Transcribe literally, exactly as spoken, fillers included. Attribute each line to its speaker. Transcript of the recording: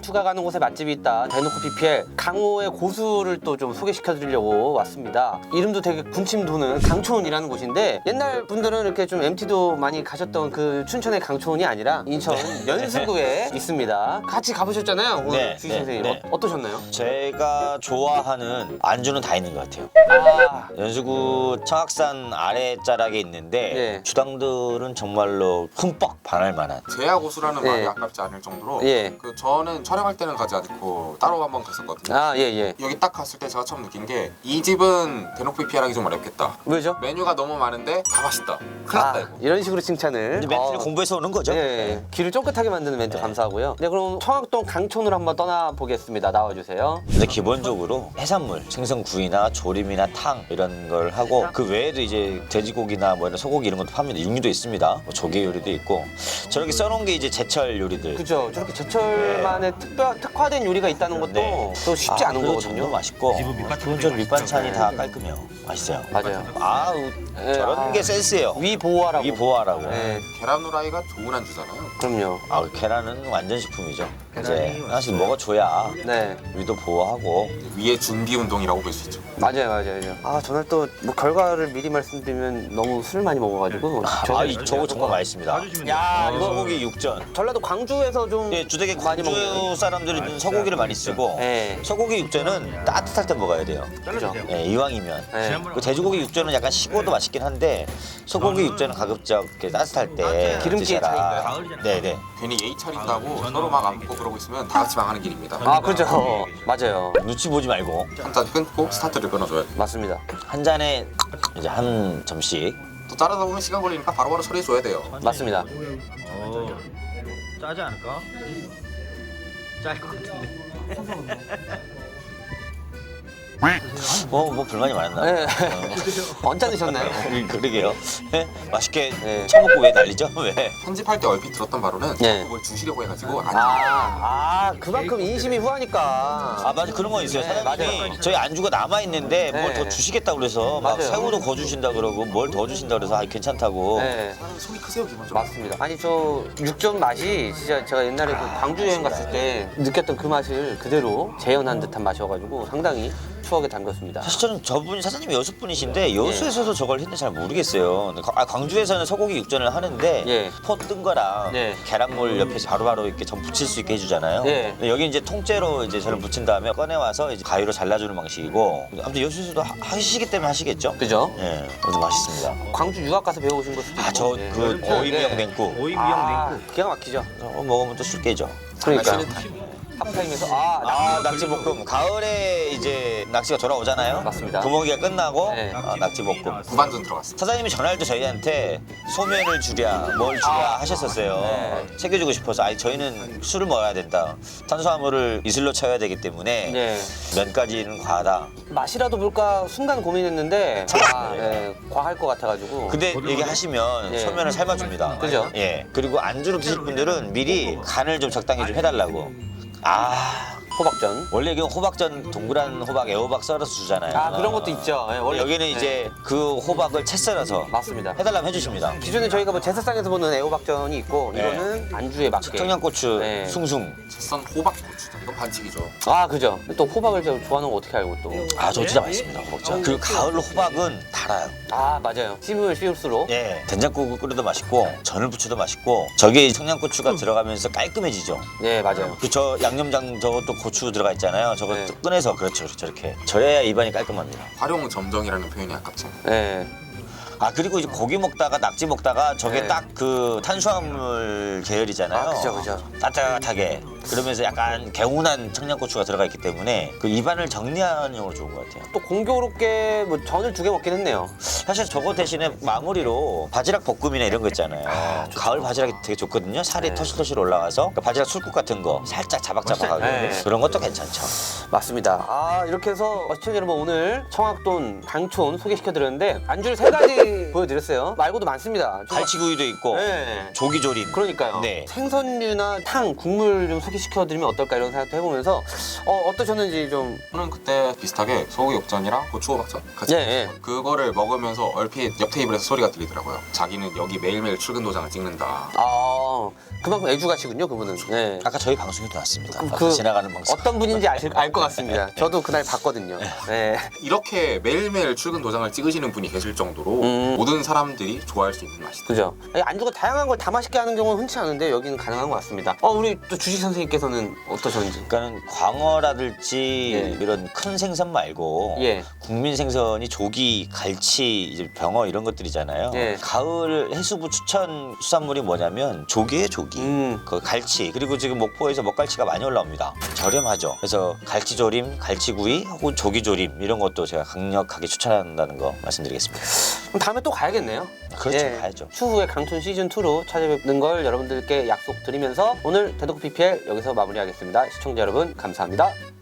Speaker 1: 전투가 가는 곳에 맛집이 있다. 대놓고 비피엘 강호의 고수를 또 좀 소개시켜드리려고 왔습니다. 이름도 되게 군침 도는 강촌이라는 곳인데 옛날 분들은 이렇게 좀 엠티도 많이 가셨던 그 춘천의 강촌이 아니라 인천 연수구에 있습니다. 같이 가보셨잖아요. 오늘
Speaker 2: 네,
Speaker 1: 주희
Speaker 2: 네,
Speaker 1: 선생님
Speaker 2: 네.
Speaker 1: 어, 어떠셨나요?
Speaker 2: 제가 좋아하는 안주는 다 있는 것 같아요.
Speaker 1: 아,
Speaker 2: 연수구 청학산 아래자락에 있는데
Speaker 1: 예.
Speaker 2: 주당들은 정말로 흠뻑 반할 만한.
Speaker 3: 제야 고수라는
Speaker 1: 예.
Speaker 3: 말이 아깝지 않을 정도로
Speaker 1: 예.
Speaker 3: 그 저는 촬영할 때는 가지 않고 따로 한번 갔었거든요.
Speaker 1: 아, 예, 예.
Speaker 3: 여기 딱 갔을 때 제가 처음 느낀 게 이 집은 대놓고 피하기 좀 어렵겠다.
Speaker 1: 왜죠?
Speaker 3: 메뉴가 너무 많은데 다 맛있다. 큰일 났다
Speaker 1: 아,
Speaker 3: 이거.
Speaker 1: 이런 식으로 칭찬을.
Speaker 2: 이제 멘트를
Speaker 1: 어.
Speaker 2: 공부해서 오는 거죠.
Speaker 1: 예, 예. 귀를 쫑긋하게 만드는 멘트 감사하고요. 네, 그럼 청학동 강촌으로 한번 떠나보겠습니다. 나와주세요.
Speaker 2: 근데 기본적으로 해산물, 생선구이나 조림이나 탕 이런 걸 하고 그 외에도 이제 돼지고기나 뭐 이런 소고기 이런 것도 팝니다. 육류도 있습니다. 뭐 조개 요리도 있고 저렇게 써놓은 게 이제 제철 요리들.
Speaker 1: 그죠. 저렇게 제철만의 특별, 특화된 요리가 있다는 것도
Speaker 2: 네.
Speaker 1: 또 쉽지
Speaker 2: 아,
Speaker 1: 않은
Speaker 2: 그리고
Speaker 1: 거거든요.
Speaker 2: 정도 맛있고 기본적으로 밑반찬이 다 깔끔해요. 맛있어요.
Speaker 1: 맞아요.
Speaker 2: 아우
Speaker 1: 예,
Speaker 2: 저런
Speaker 1: 아.
Speaker 2: 게 센스예요.
Speaker 1: 위 보호하라고.
Speaker 2: 위 보호하라고.
Speaker 1: 네,
Speaker 3: 계란 후라이가 좋은 안주잖아요.
Speaker 1: 그럼요.
Speaker 2: 아 계란은 완전 식품이죠. 이제 하나씩 먹어줘야
Speaker 1: 네,
Speaker 2: 위도 보호하고.
Speaker 3: 위에 준비 운동이라고 볼 수 있죠.
Speaker 1: 맞아요, 맞아요. 맞아요. 아, 저는 또 뭐 결과를 미리 말씀드리면 너무 술을 많이 먹어가지고.
Speaker 2: 아 이- 저거 정말 맛있습니다.
Speaker 1: 야, 이거
Speaker 2: 소고기 육전.
Speaker 1: 전라도 광주에서 좀
Speaker 2: 예, 주택에
Speaker 1: 많이
Speaker 2: 광주
Speaker 1: 먹는.
Speaker 2: 사람들은 소고기를 많이 쓰고
Speaker 1: 네,
Speaker 2: 소고기 육전은 따뜻할 때 먹어야 돼요.
Speaker 1: 그죠.
Speaker 2: 예, 이왕이면.
Speaker 1: 네.
Speaker 2: 그 돼지고기 육전은 약간 식어도 맛있긴 한데 소고기 육전은 가급적 이렇게 따뜻할 때
Speaker 1: 기름기의
Speaker 2: 드셔라.
Speaker 1: 차이인가요?
Speaker 2: 네네.
Speaker 3: 괜히 예의 차린다고 서로 막 안 먹고 그러고 있으면 다 같이 망하는 길입니다.
Speaker 1: 아, 그죠. 맞아요.
Speaker 2: 눈치 보지 말고
Speaker 3: 한 잔 끊고 스타트를 끊어줘야 돼.
Speaker 1: 맞습니다.
Speaker 2: 한 잔에 이제 한 점씩.
Speaker 3: 또 따라다 보면 시간 걸리니까 바로바로 처리해줘야 돼요.
Speaker 1: 맞습니다.
Speaker 4: 어, 짜지 않을까? 짤 것 같은데.
Speaker 2: 뭐, 뭐 불만이 많았나?
Speaker 1: 네. 언짢으셨나요?
Speaker 2: 어, 그러게요. 예? 맛있게
Speaker 1: 네.
Speaker 2: 처먹고 왜 난리죠? 왜?
Speaker 3: 편집할 때 얼핏 들었던 바로는
Speaker 1: 네.
Speaker 3: 그걸 주시려고 해가지고 안
Speaker 1: 아, 아, 그만큼 인심이 후하니까.
Speaker 2: 아 맞아 그런 거 있어요.
Speaker 1: 네,
Speaker 2: 사장님이
Speaker 1: 맞아요.
Speaker 2: 저희 안주가 남아 있는데 뭘
Speaker 1: 네.
Speaker 2: 더 주시겠다 그래서 막
Speaker 1: 맞아요.
Speaker 2: 새우도 거 주신다 그러고 뭘 더 주신다 그래서 아 괜찮다고.
Speaker 1: 네.
Speaker 3: 사람이 속이 크세요 기본적으로.
Speaker 1: 맞습니다. 아니 저 육전 맛이 진짜 제가 옛날에 그 광주 여행 갔을 때 느꼈던 그 맛을 그대로 재현한 듯한 맛이어가지고 상당히 추억에 담겼습니다.
Speaker 2: 사실 저는 저분이 사장님이 여수 분이신데 여수에서도 저걸 했는지 잘 모르겠어요. 아, 광주에서는 소고기 육전을 하는데
Speaker 1: 예.
Speaker 2: 포 뜬 거랑
Speaker 1: 네.
Speaker 2: 계란물 옆에서 바로바로 이렇게 전 부칠 수 있게 해주잖아요.
Speaker 1: 네.
Speaker 2: 근데 여기 이제 통째로 이제 저를 부친 다음에 꺼내 와서 이제 가위로 잘라주는 방식이고 아무튼 여수에서도 하- 하시기 때문에 하시겠죠.
Speaker 1: 그죠?
Speaker 2: 예, 아무튼 맛있습니다.
Speaker 1: 광주 유학 가서 배워오신 걸 수도 있고.
Speaker 2: 아 저
Speaker 1: 네.
Speaker 2: 그
Speaker 1: 네.
Speaker 2: 오이미역 냉국
Speaker 4: 오이
Speaker 1: 아,
Speaker 4: 미역 냉국.
Speaker 1: 기가 막히죠.
Speaker 2: 어, 먹으면 또 술 깨죠.
Speaker 1: 그러니까
Speaker 3: 장난치는 타임.
Speaker 1: 합타임에서 아,
Speaker 2: 아 낙지볶음 가을에 이제 낙지가 돌아오잖아요.
Speaker 1: 맞습니다.
Speaker 2: 구멍이가 끝나고
Speaker 1: 네.
Speaker 2: 아, 낙지볶음.
Speaker 3: 무반전 들어갔습니다.
Speaker 2: 사장님이 전화할 때 저희한테 소면을 주랴 뭘 주랴
Speaker 1: 아,
Speaker 2: 하셨었어요.
Speaker 1: 네.
Speaker 2: 챙겨주고 싶어서 아니 저희는 술을 먹어야 된다. 탄수화물을 이슬로 채워야 되기 때문에
Speaker 1: 네.
Speaker 2: 면까지는 과하다.
Speaker 1: 맛이라도 볼까 순간 고민했는데 아, 네. 과할 것 같아가지고.
Speaker 2: 근데 얘기하시면
Speaker 1: 네.
Speaker 2: 소면을 삶아줍니다.
Speaker 1: 그죠?
Speaker 2: 예. 그리고 안주로 드실 분들은 미리 간을 좀 적당히 좀 해달라고. 아
Speaker 1: 호박전.
Speaker 2: 원래 이게 호박전 동그란 호박 애호박 썰어서 주잖아요.
Speaker 1: 아, 그런 것도 있죠. 네, 원래
Speaker 2: 여기는
Speaker 1: 네.
Speaker 2: 이제 그 호박을 채 썰어서
Speaker 1: 맞습니다.
Speaker 2: 해달라면 해주십니다.
Speaker 1: 기존에 저희가 뭐 제사상에서 보는 애호박전이 있고
Speaker 2: 네.
Speaker 1: 이거는 안주에 맞게.
Speaker 2: 청양고추
Speaker 1: 네.
Speaker 2: 숭숭.
Speaker 3: 햇선 호박 고추장 이건 반칙이죠.
Speaker 1: 아, 그죠. 또 호박을 저 좋아하는 거 어떻게 알고 또.
Speaker 2: 아 저 진짜 맛있습니다 호박전. 그리고 가을 호박은 달아요.
Speaker 1: 아, 맞아요. 씹으면 씹을수록.
Speaker 2: 예. 된장국을 끓여도 맛있고 전을 부쳐도 맛있고 저게 청양고추가 들어가면서 깔끔해지죠.
Speaker 1: 네, 맞아요.
Speaker 2: 그 저 양념장 저것도 고추 들어가 있잖아요. 저거
Speaker 1: 네.
Speaker 2: 꺼내서 그렇죠 저렇게 저래야 입안이 깔끔합니다.
Speaker 3: 활용 점정이라는 표현이 아깝죠.
Speaker 1: 네.
Speaker 2: 아 그리고 이제 고기 먹다가 낙지 먹다가 저게
Speaker 1: 네.
Speaker 2: 딱 그 탄수화물 계열이잖아요.
Speaker 1: 아, 그죠, 그죠.
Speaker 2: 따뜻하게 그러면서 약간 개운한 청양고추가 들어가 있기 때문에 그 입안을 정리하는 용으로 좋은 것 같아요.
Speaker 1: 또 공교롭게 뭐 전을 두 개 먹긴 했네요.
Speaker 2: 사실 저거 대신에 마무리로 바지락 볶음이나 이런 거 있잖아요. 가을 바지락이 되게 좋거든요. 살이
Speaker 1: 네.
Speaker 2: 터실터실 올라와서 그러니까 바지락 술국 같은 거 살짝 자박자박하게
Speaker 1: 네.
Speaker 2: 그런 것도 괜찮죠.
Speaker 1: 맞습니다. 아, 이렇게 해서 시청자 여러분 오늘 청학돈 강촌 소개시켜드렸는데 안주를 세 가지 많이 보여드렸어요. 말고도 많습니다. 좀-
Speaker 2: 갈치구이도 있고
Speaker 1: 네.
Speaker 2: 조기조림.
Speaker 1: 그러니까요.
Speaker 2: 네.
Speaker 1: 생선류나 탕, 국물 좀 소개시켜드리면 어떨까 이런 생각도 해보면서 어, 어떠셨는지 좀.
Speaker 3: 저는 그때 비슷하게 소고기 육전이랑 고추호박전 같이
Speaker 1: 예,
Speaker 3: 먹었어요.
Speaker 1: 예.
Speaker 3: 그거를 먹으면서 얼핏 옆 테이블에서 소리가 들리더라고요. 자기는 여기 매일매일 출근 도장을 찍는다.
Speaker 1: 아, 그만큼 애주가시군요, 그분은. 네.
Speaker 2: 아까 저희 방송에도 나왔습니다.
Speaker 1: 그-
Speaker 2: 앞서
Speaker 1: 그
Speaker 2: 지나가는 방송.
Speaker 1: 어떤 분인지 알 것 같습니다. 저도 그날 봤거든요. 네.
Speaker 3: 이렇게 매일매일 출근 도장을 찍으시는 분이 계실 정도로
Speaker 1: 음.
Speaker 3: 모든 사람들이 좋아할 수 있는 맛이다.
Speaker 1: 그죠. 아니, 안주가 다양한 걸 다 맛있게 하는 경우는 흔치 않은데 여기는 가능한 것 같습니다. 어, 우리 또 주식 선생님께서는 어떠셨는지.
Speaker 2: 그러니까는 광어라든지
Speaker 1: 예.
Speaker 2: 이런 큰 생선 말고
Speaker 1: 예.
Speaker 2: 국민 생선이 조기, 갈치, 이제 병어 이런 것들이잖아요.
Speaker 1: 예.
Speaker 2: 가을 해수부 추천 수산물이 뭐냐면 조기에 조기,
Speaker 1: 음.
Speaker 2: 그 갈치 그리고 지금 목포에서 먹갈치가 많이 올라옵니다. 저렴하죠. 그래서 갈치조림, 갈치구이 혹은 조기조림 이런 것도 제가 강력하게 추천한다는 거 말씀드리겠습니다.
Speaker 1: 그럼 다음에 또 가야겠네요.
Speaker 2: 그렇죠, 가야죠.
Speaker 1: 추후에 강촌 시즌이로 찾아뵙는 걸 여러분들께 약속드리면서 오늘 대놓고 비피엘 여기서 마무리하겠습니다. 시청자 여러분 감사합니다.